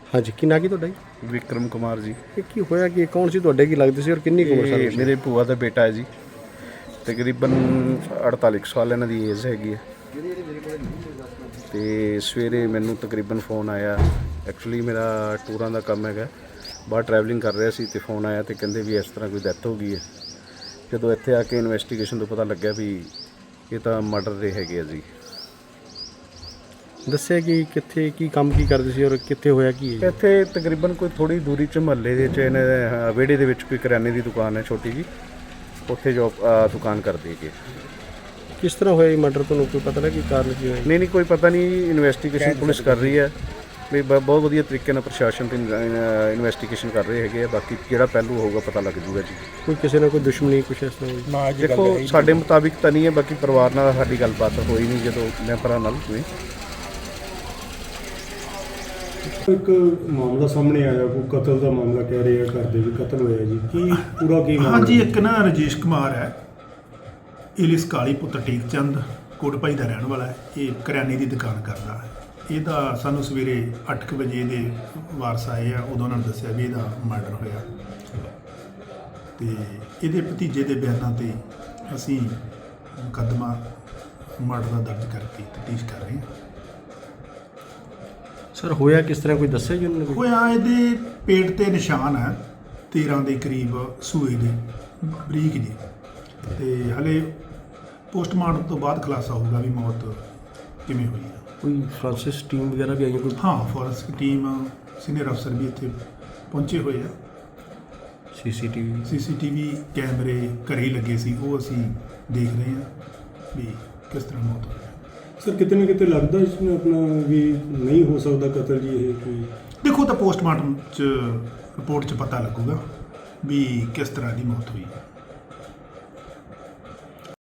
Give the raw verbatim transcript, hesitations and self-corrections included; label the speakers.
Speaker 1: हाँ जी, की ना की ਤੁਹਾਡਾ ਜੀ?
Speaker 2: ਵਿਕਰਮ ਕੁਮਾਰ ਜੀ।
Speaker 1: ਇਹ ਕੀ ਹੋਇਆ ਕਿ ਕੌਣ ਸੀ ਤੁਹਾਡੇ, ਕੀ ਲੱਗਦੇ ਸੀ ਔਰ ਕਿੰਨੀ ਕੁ ਉਮਰ ਸੀ?
Speaker 2: ਇਹ ਮੇਰੇ ਭੂਆ ਦਾ ਬੇਟਾ ਹੈ ਜੀ। ਤਕਰੀਬਨ ਅੜਤਾਲੀ ਕੁ ਸਾਲ ਇਹਨਾਂ ਦੀ ਏਜ ਹੈਗੀ ਹੈ। ਤੇ ਸਵੇਰੇ ਮੈਨੂੰ ਤਕਰੀਬਨ ਫੋਨ ਆਇਆ। ਐਕਚੁਅਲੀ ਮੇਰਾ ਟੂਰਾਂ ਦਾ ਕੰਮ ਹੈਗਾ, ਬਾਹਰ ਟਰੈਵਲਿੰਗ ਕਰ ਰਿਹਾ ਸੀ ਤੇ ਫੋਨ ਆਇਆ ਤੇ ਕਹਿੰਦੇ ਵੀ ਇਸ ਤਰ੍ਹਾਂ ਕੋਈ ਡੈਥ ਹੋ ਗਈ ਹੈ। ਜਦੋਂ ਇੱਥੇ ਆ ਕੇ ਇਨਵੈਸਟੀਗੇਸ਼ਨ ਤੋਂ ਪਤਾ ਲੱਗਿਆ ਵੀ ਇਹ ਤਾਂ ਮਰਡਰ ਦੇ ਹੈਗੇ ਆ ਜੀ।
Speaker 1: ਦੱਸਿਆ ਕਿ ਕਿੱਥੇ ਕੀ ਕੰਮ ਕੀ ਕਰਦੇ ਸੀ ਔਰ ਕਿੱਥੇ ਹੋਇਆ ਕੀ ਹੈ?
Speaker 2: ਇੱਥੇ ਤਕਰੀਬਨ ਕੋਈ ਥੋੜ੍ਹੀ ਦੂਰੀ 'ਚ ਮੁਹੱਲੇ ਦੇ 'ਚ ਇਹਨੇ ਵਿਹੜੇ ਦੇ ਵਿੱਚ ਕੋਈ ਕਰਿਆਨੇ ਦੀ ਦੁਕਾਨ ਹੈ ਛੋਟੀ ਜੀ, ਉੱਥੇ ਜੋਬ ਦੁਕਾਨ ਕਰਦੇ ਹੈਗੇ।
Speaker 1: ਕਿਸ ਤਰ੍ਹਾਂ ਹੋਇਆ ਇਹ ਮਰਡਰ, ਤੁਹਾਨੂੰ ਕੋਈ ਪਤਾ ਲੱਗਾ ਕੀ ਕਾਰਨ ਕੀ ਹੋਇਆ?
Speaker 2: ਨਹੀਂ ਨਹੀਂ ਕੋਈ ਪਤਾ ਨਹੀਂ। ਇਨਵੈਸਟੀਗੇਸ਼ਨ ਪੁਲਿਸ ਕਰ ਰਹੀ ਹੈ ਵੀ ਬ- ਬਹੁਤ ਵਧੀਆ ਤਰੀਕੇ ਨਾਲ ਪ੍ਰਸ਼ਾਸਨ ਤੇ ਇਨਵੈਸਟੀਗੇਸ਼ਨ ਕਰ ਰਹੇ ਹੈਗੇ ਆ। ਬਾਕੀ ਜਿਹੜਾ ਪਹਿਲੂ ਹੋਊਗਾ ਪਤਾ ਲੱਗ ਜੂਗਾ ਜੀ।
Speaker 1: ਕੋਈ ਕਿਸੇ ਨਾਲ ਕੋਈ ਦੁਸ਼ਮਣੀ ਕੁਛ ਇਸ ਤਰ੍ਹਾਂ ਹੋਈ?
Speaker 2: ਦੇਖੋ ਸਾਡੇ ਮੁਤਾਬਿਕ ਤਾਂ ਨਹੀਂ ਹੈ, ਬਾਕੀ ਪਰਿਵਾਰ ਨਾਲ ਸਾਡੀ ਗੱਲਬਾਤ ਹੋਈ ਨਹੀਂ ਜਦੋਂ ਮੈਂਬਰਾਂ ਨਾਲ ਹੋਈ।
Speaker 3: ਇੱਕ ਮਾਮਲਾ ਸਾਹਮਣੇ ਆਇਆ, ਕੋਈ ਕਤਲ ਦਾ ਮਾਮਲਾ ਕਹਿ ਰਹੇ ਆ, ਘਰ ਦੇ ਵੀ ਕਤਲ ਹੋਇਆ ਜੀ। ਕੀ ਪੂਰਾ ਕੀ ਮਾਮਲਾ?
Speaker 4: ਹਾਂਜੀ, ਇੱਕ ਨਾ ਰਜੇਸ਼ ਕੁਮਾਰ ਹੈ, ਇਲਿਸ ਕਾਲੀ ਪੁੱਤਰ ਟੇਕ ਚੰਦ ਕੋਟਭਾਈ ਦਾ ਰਹਿਣ ਵਾਲਾ ਹੈ। ਇਹ ਕਰਿਆਨੇ ਦੀ ਦੁਕਾਨ ਕਰਦਾ ਹੈ। ਇਹਦਾ ਸਾਨੂੰ ਸਵੇਰੇ ਅੱਠ ਕੁ ਵਜੇ ਦੇ ਵਾਰਸ ਆਏ ਆ, ਉਦੋਂ ਉਹਨਾਂ ਨੇ ਦੱਸਿਆ ਵੀ ਇਹਦਾ ਮਰਡਰ ਹੋਇਆ ਤੇ ਇਹਦੇ ਭਤੀਜੇ ਦੇ ਬਿਆਨਾਂ ਤੇ ਅਸੀਂ ਮੁਕੱਦਮਾ ਮਰਡਰ ਦਾ ਦਰਜ ਕਰਕੇ ਤਫਤੀਸ਼ ਕਰ ਰਹੇ ਹਾਂ।
Speaker 1: ਸਰ ਹੋਇਆ ਕਿਸ ਤਰ੍ਹਾਂ, ਕੋਈ ਦੱਸਿਆ ਜੀ ਉਹਨਾਂ ਨੇ?
Speaker 4: ਹੋਇਆ ਇਹਦੇ ਪੇਟ ਤੇ ਨਿਸ਼ਾਨ ਹੈ ਤੇਰ੍ਹਾਂ ਦੇ ਕਰੀਬ ਸੂਏ ਦੇ ਬਰੀਕ ਜੀ, ਤੇ ਹਲੇ ਪੋਸਟਮਾਰਟਮ ਤੋਂ ਬਾਅਦ ਖੁਲਾਸਾ ਹੋਊਗਾ ਵੀ ਮੌਤ ਕਿਵੇਂ ਹੋਈ ਹੈ।
Speaker 1: ਕੋਈ ਫਰਾਂਸਿਸ ਟੀਮ ਵਗੈਰਾ ਵੀ ਆਈ ਹੈ ਕੋਈ?
Speaker 4: ਹਾਂ, ਫੋਰੈਂਸਿਕ ਟੀਮ, ਸੀਨੀਅਰ ਅਫਸਰ ਵੀ ਇੱਥੇ ਪਹੁੰਚੇ ਹੋਏ ਆ।
Speaker 1: ਸੀਸੀਟੀਵੀ
Speaker 4: ਸੀਸੀਟੀਵੀ ਕੈਮਰੇ ਘਰੇ ਹੀ ਲੱਗੇ ਸੀ, ਉਹ ਅਸੀਂ ਦੇਖ ਰਹੇ ਹਾਂ ਵੀ ਕਿਸ ਤਰ੍ਹਾਂ ਮੌਤ ਹੋਈ।
Speaker 3: ਸਰ ਕਿਤੇ ਨਾ ਕਿਤੇ ਲੱਗਦਾ ਇਸ ਨੂੰ ਆਪਣਾ ਵੀ ਨਹੀਂ ਹੋ ਸਕਦਾ ਕਤਲ ਜੀ ਇਹ ਕੋਈ?
Speaker 4: ਦੇਖੋ ਤਾਂ ਪੋਸਟਮਾਰਟਮ 'ਚ ਰਿਪੋਰਟ 'ਚ ਪਤਾ ਲੱਗੂਗਾ ਵੀ ਕਿਸ ਤਰ੍ਹਾਂ ਦੀ ਮੌਤ ਹੋਈ ਹੈ।